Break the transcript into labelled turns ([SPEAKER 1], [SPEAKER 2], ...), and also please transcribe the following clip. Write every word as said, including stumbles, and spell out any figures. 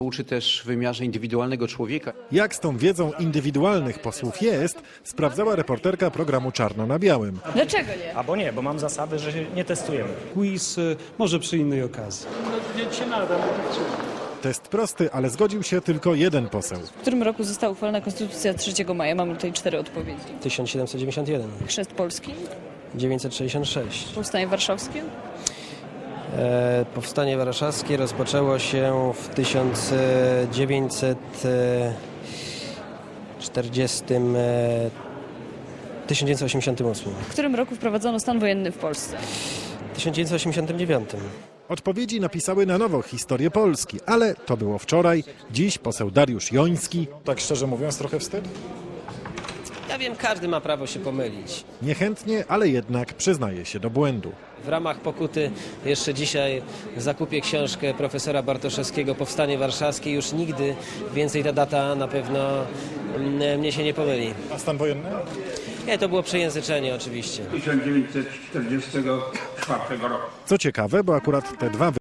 [SPEAKER 1] Uczy też w wymiarze indywidualnego człowieka.
[SPEAKER 2] Jak z tą wiedzą indywidualnych posłów jest, sprawdzała reporterka programu Czarno na Białym.
[SPEAKER 3] Dlaczego nie?
[SPEAKER 4] Albo nie, bo mam zasady, że się nie testujemy.
[SPEAKER 5] Quiz y, może przy innej okazji.
[SPEAKER 2] Test prosty, ale zgodził się tylko jeden poseł.
[SPEAKER 3] W którym roku została uchwalona Konstytucja trzeciego maja? Mamy tutaj cztery odpowiedzi.
[SPEAKER 6] tysiąc siedemset dziewięćdziesiąt jeden,
[SPEAKER 3] Chrzest Polski,
[SPEAKER 6] dziewięćset sześćdziesiąt sześć.
[SPEAKER 3] Powstanie Warszawskie,
[SPEAKER 6] E, powstanie warszawskie rozpoczęło się w tysiąc dziewięćset czterdziestym, e, tysiąc dziewięćset osiemdziesiątym ósmym,
[SPEAKER 3] w którym roku wprowadzono stan wojenny w Polsce.
[SPEAKER 6] tysiąc dziewięćset osiemdziesiątym dziewiątym.
[SPEAKER 2] Odpowiedzi napisały na nowo historię Polski, ale to było wczoraj. Dziś poseł Dariusz Joński
[SPEAKER 7] Tak szczerze mówiąc, trochę wstyd.
[SPEAKER 6] Ja wiem, każdy ma prawo się pomylić.
[SPEAKER 2] niechętnie, ale jednak przyznaje się do błędu.
[SPEAKER 6] W ramach pokuty jeszcze dzisiaj zakupię książkę profesora Bartoszewskiego Powstanie Warszawskie. Już nigdy więcej ta data na pewno mm, mnie się nie pomyli.
[SPEAKER 7] A stan wojenny?
[SPEAKER 6] Nie, to było przejęzyczenie oczywiście.
[SPEAKER 8] tysiąc dziewięćset czterdziestego czwartego roku.
[SPEAKER 2] Co ciekawe, bo akurat te dwa